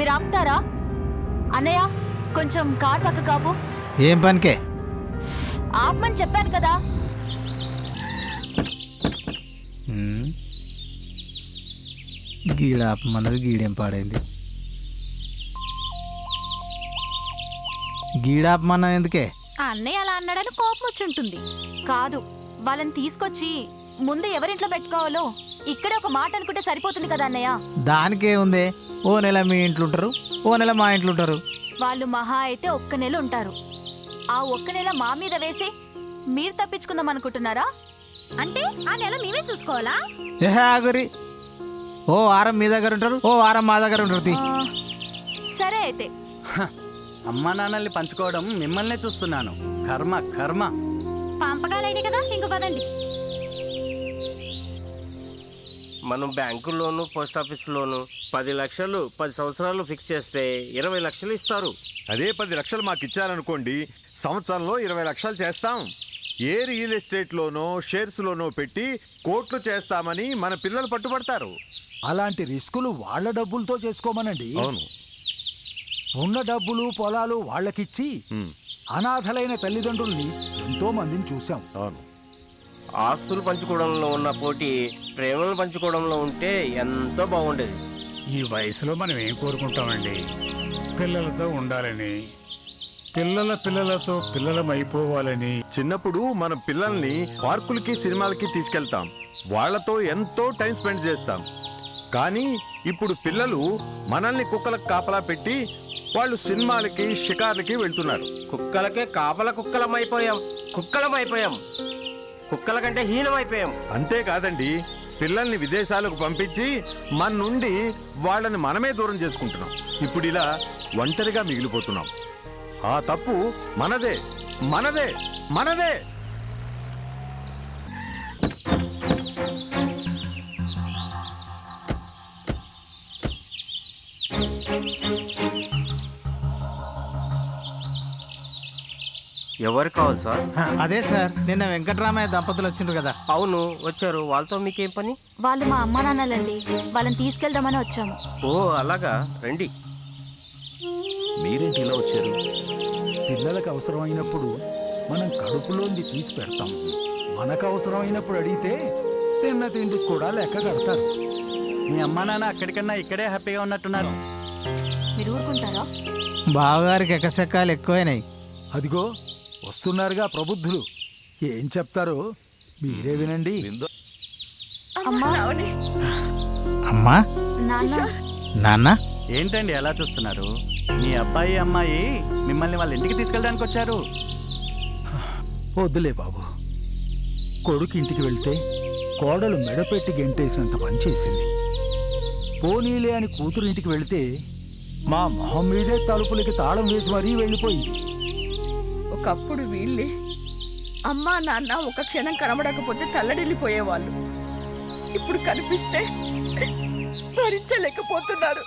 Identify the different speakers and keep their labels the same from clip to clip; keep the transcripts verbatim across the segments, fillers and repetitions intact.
Speaker 1: మీరు ఆపుతారా? అన్నయ్య కొంచెం కార్ పక్క కాపు.
Speaker 2: ఏం పనికే?
Speaker 1: ఆపమని చెప్పాను కదా.
Speaker 2: గీడ ఆపమన్నది గీడేం పాడైంది. గీడ ఆపమన్నా ఎందుకే?
Speaker 1: ఆ అన్నయ్య అలా అన్నాడని కోపం వచ్చుంటుంది. కాదు, వాళ్ళని తీసుకొచ్చి ముందు ఎవరింట్లో పెట్టుకోవాలో ఇక్కడే ఒక మాట అనుకుంటే సరిపోతుంది కదా అన్నయ్య.
Speaker 2: దానికే ఉంది. ఓ నెల మీ ఇంట్లో ఉంటారు, ఓ నెల మా ఇంట్లో ఉంటారు.
Speaker 1: వాళ్ళు మహా అయితే ఒక్క నెల ఉంటారు. ఆ ఒక్క నెల మా మీద వేసి మీరు తప్పించుకుందాం అనుకుంటున్నారా? అంటే ఆ నెల మేమే చూసుకోవాలా?
Speaker 2: ఏహే ఆగురి. ఓ వారం మీ దగ్గర ఉంటారు, ఓ వారం మా దగ్గర ఉంటారు.
Speaker 1: ఆ, సరే అయితే.
Speaker 3: అమ్మా నాన్నల్ని పంచుకోవడం మిమ్మల్నే చూస్తున్నాను. కర్మ కర్మ.
Speaker 1: పంపకాలైన కదా, ఇంక పదండి.
Speaker 4: మనం బ్యాంకుల్లోను పోస్ట్ ఆఫీసులోను పది లక్షలు పది సంవత్సరాలు ఫిక్స్ చేస్తే ఇరవై లక్షలు ఇస్తారు.
Speaker 5: అదే పది లక్షలు మాకు ఇచ్చారనుకోండి, సంవత్సరంలో ఇరవై లక్షలు చేస్తాం. ఏ రియల్ ఎస్టేట్లోనో షేర్స్లోనో పెట్టి కోట్లు చేస్తామని మన పిల్లలు పట్టుబడతారు.
Speaker 6: అలాంటి రిస్కులు వాళ్ళ డబ్బులతో చేసుకోమనండి.
Speaker 5: అవును.
Speaker 6: ఉన్న డబ్బులు పొలాలు వాళ్ళకిచ్చి అనాథలైన తల్లిదండ్రుల్ని ఎంతో మందిని చూశాం.
Speaker 5: అవును.
Speaker 4: ఆస్తులు పంచుకోవడంలో ఉన్న పోటీ ప్రేమలు పంచుకోవడంలో ఉంటే ఎంతో బాగుండేది.
Speaker 7: ఈ వయసులో మనం ఏం కోరుకుంటామండి? పిల్లలతో ఉండాలని, పిల్లల పిల్లలతో పిల్లలం అయిపోవాలని.
Speaker 5: చిన్నప్పుడు మన పిల్లల్ని పార్కులకి సినిమాలకి తీసుకెళ్తాం, వాళ్లతో ఎంతో టైం స్పెండ్ చేస్తాం. కానీ ఇప్పుడు పిల్లలు మనల్ని కుక్కలకు కాపలా పెట్టి వాళ్ళు సినిమాలకి షికార్లకి వెళ్తున్నారు.
Speaker 4: కుక్కలకే కాపల కుక్కలం అయిపోయాం, కుక్కలం అయిపోయాం, కుక్కల కంటే హీనం అయిపోయాం.
Speaker 5: అంతేకాదండి, పిల్లల్ని విదేశాలకు పంపించి మన నుండి వాళ్ళని మనమే దూరం చేసుకుంటున్నాం. ఇప్పుడు ఇలా ఒంటరిగా మిగిలిపోతున్నాం. ఆ తప్పు మనదే మనదే మనదే.
Speaker 4: ఎవరు కావాలి సార్?
Speaker 2: అదే సార్, నిన్న వెంకటరామయ్య దంపతులు వచ్చిండ్రు కదా.
Speaker 4: అవును, వచ్చారు. వాళ్ళతో మీకేం పని?
Speaker 1: వాళ్ళు మా అమ్మ నాన్నలండి, వాళ్ళని తీసుకెళ్దామని వచ్చాము.
Speaker 4: ఓ అలాగా, రండి.
Speaker 8: మీరేంటి ఇలా వచ్చారు?
Speaker 6: పిల్లలకు అవసరమైనప్పుడు మనం కడుపులోంది తీసి పెడతాం. మనకు అవసరమైనప్పుడు అడిగితే తిన్న తిండికి కూడా లెక్క కడతారు.
Speaker 3: మీ అమ్మా నాన్న అక్కడికన్నా ఇక్కడే హ్యాపీగా ఉన్నట్టున్నారు.
Speaker 1: మీరు ఊరుకుంటారా?
Speaker 2: బావగారికి ఎకసెక్కాలు ఎక్కువైనాయి.
Speaker 6: అదిగో వస్తున్నారుగా ప్రబుద్ధులు. ఏం చెప్తారో మీరే వినండి.
Speaker 1: అమ్మా,
Speaker 2: అమ్మా,
Speaker 1: నాన్న.
Speaker 2: నాన్న,
Speaker 3: ఏంటండి ఎలా చూస్తున్నారు? మీ అబ్బాయి అమ్మాయి మిమ్మల్ని వాళ్ళ ఇంటికి తీసుకెళ్ళడానికి వచ్చారు.
Speaker 6: వద్దులే బాబు. కొడుకు ఇంటికి వెళ్తే కోడలు మెడపెట్టి గెంటేసినంత పని చేసింది. పోనీలే అని కూతురు ఇంటికి వెళితే మా మొహం మీదే తలుపులకి తాళం వేసి మరీ వెళ్ళిపోయింది.
Speaker 9: ఒకప్పుడు వీళ్ళే అమ్మా నాన్న ఒక క్షణం కనబడకపోతే తల్లడిల్లిపోయేవాళ్ళు. ఇప్పుడు కనిపిస్తే భరించలేకపోతున్నారు.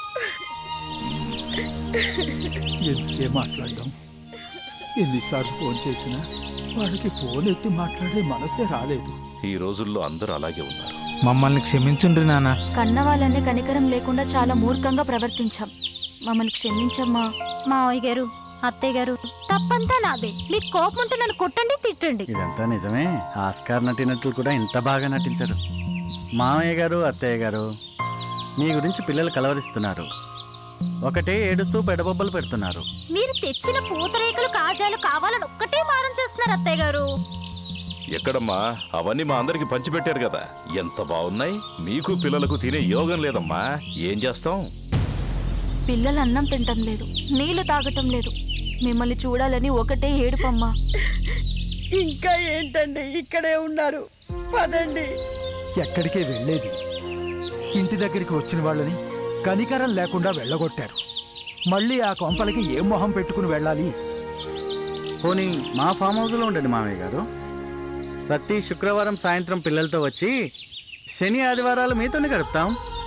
Speaker 6: ఎందుకే మాట్లాడడం? ఎన్నిసార్లు ఫోన్ చేసినా వాళ్ళకి ఫోన్ ఎత్తి మాట్లాడే మనసే రాలేదు.
Speaker 8: ఈ రోజుల్లో అందరూ అలాగే ఉన్నారు.
Speaker 2: మమ్మల్ని క్షమించుండ్రి నాన్న.
Speaker 1: కన్న వాళ్ళని కనికరం లేకుండా చాలా మూర్ఖంగా ప్రవర్తించాం. మమ్మల్ని క్షమించమ్మా. మావయ్య గారు, అత్తయ్య గారు, తప్పంతా నాదే. మీకు కోపం ఉంటే నన్ను కొట్టండి, తిట్టండి.
Speaker 3: ఇదంతా నిజమే. ఆస్కార్ నటినట్లు కూడా ఇంత బాగా నటించరు. మామయ్య గారు, అత్తయ్య గారు, మీ గురించి పిల్లలు కలవరిస్తున్నారు. ఒకటే ఏడుస్తూ పెడబొబ్బలు పెడుతున్నారు.
Speaker 1: మీరు తెచ్చిన పూతరేకులు కాజాలు కావాలని ఒక్కటే మారం చేస్తున్నారు అత్తయ్య గారు.
Speaker 8: ఎక్కడమ్మా, అవన్నీ మా అందరికి పంచిపెట్టారు కదా, ఎంత బాగున్నాయి. మీకు పిల్లలకు తినే యోగం లేదమ్మా, ఏం చేస్తాం?
Speaker 1: పిల్లలు అన్నం తింటం లేదు, నీళ్లు తాగటం లేదు. మిమ్మల్ని చూడాలని ఒకటే ఏడుపమ్మా.
Speaker 9: ఇంకా ఏంటండి, ఇక్కడే ఉన్నారు, పదండి.
Speaker 6: ఎక్కడికే వెళ్ళేది? ఇంటి దగ్గరికి వచ్చిన వాళ్ళని కనికరం లేకుండా వెళ్ళగొట్టారు. మళ్ళీ ఆ కొంపలకి ఏ మొహం పెట్టుకుని వెళ్ళాలి?
Speaker 3: పోనీ మా ఫామ్ హౌస్లో ఉండండి మామయ్య గారు. ప్రతి శుక్రవారం సాయంత్రం పిల్లలతో వచ్చి శని ఆదివారాలు మీతోనే గడుపుతాం.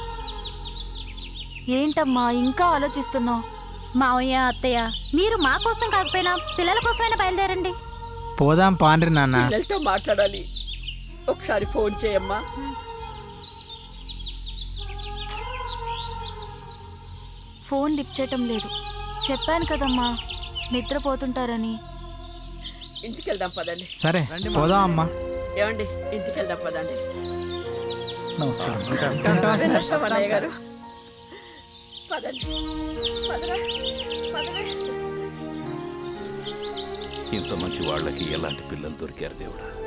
Speaker 1: ఏంటమ్మా ఇంకా ఆలోచిస్తున్నావు?
Speaker 10: మావయ్య, అత్తయ్య, మీరు మా కోసం కాకపోయినా పిల్లల కోసమైనా బయలుదేరండి.
Speaker 2: పోదాం పాండ్రి నాన్న.
Speaker 9: పిల్లలతో మాట్లాడాలి, ఒకసారి ఫోన్ చేయమ్మా.
Speaker 1: ఫోన్ లిఫ్ట్ చేయటం లేదు. చెప్పాను కదమ్మా నిద్రపోతుంటారని.
Speaker 9: ఇంటికి వెళ్దాం పదండి.
Speaker 2: సరే పోదాం అమ్మా.
Speaker 9: ఏమండి ఇంటికి వెళ్దాం పదండి.
Speaker 6: నమస్కారం.
Speaker 9: వెళ్తాం అన్నయ్య గారు. పదండి పదరా పదరా.
Speaker 8: ఇంత మంచి వాళ్ళకి ఎలాంటి పిల్లలు దొరికారు దేవుడా.